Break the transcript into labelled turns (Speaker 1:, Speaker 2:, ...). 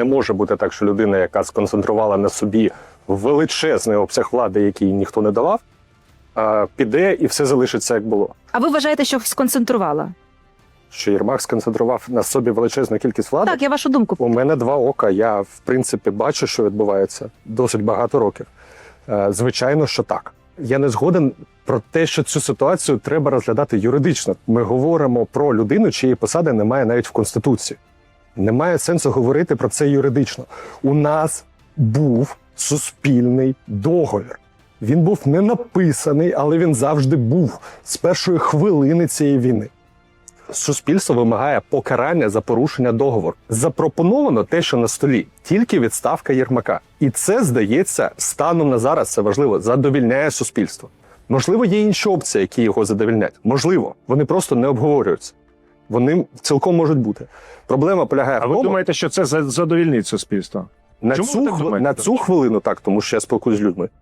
Speaker 1: Не може бути так, що людина, яка сконцентрувала на собі величезний обсяг влади, який ніхто не давав, піде і все залишиться, як було.
Speaker 2: А ви вважаєте, що сконцентрувала?
Speaker 1: Що Єрмак сконцентрував на собі величезну кількість влади?
Speaker 2: Так, я вашу думку.
Speaker 1: У мене два ока. Я, в принципі, бачу, що відбувається досить багато років. Звичайно, що так. Я не згоден про те, що цю ситуацію треба розглядати юридично. Ми говоримо про людину, чиєї посади немає навіть в Конституції. Немає сенсу говорити про це юридично. У нас був суспільний договір. Він був не написаний, але він завжди був з першої хвилини цієї війни. Суспільство вимагає покарання за порушення договору. Запропоновано те, що на столі, тільки відставка Єрмака. І це, здається, станом на зараз, це важливо, задовільняє суспільство. Можливо, є інші опції, які його задовільнять. Можливо, вони просто не обговорюються. Вони цілком можуть бути. Проблема полягає в
Speaker 3: А ви
Speaker 1: тому,
Speaker 3: думаєте, що це задовільнить суспільство?
Speaker 1: на
Speaker 3: Чому ви так думаєте?
Speaker 1: цю хвилину так, тому що я спілкуюсь з людьми.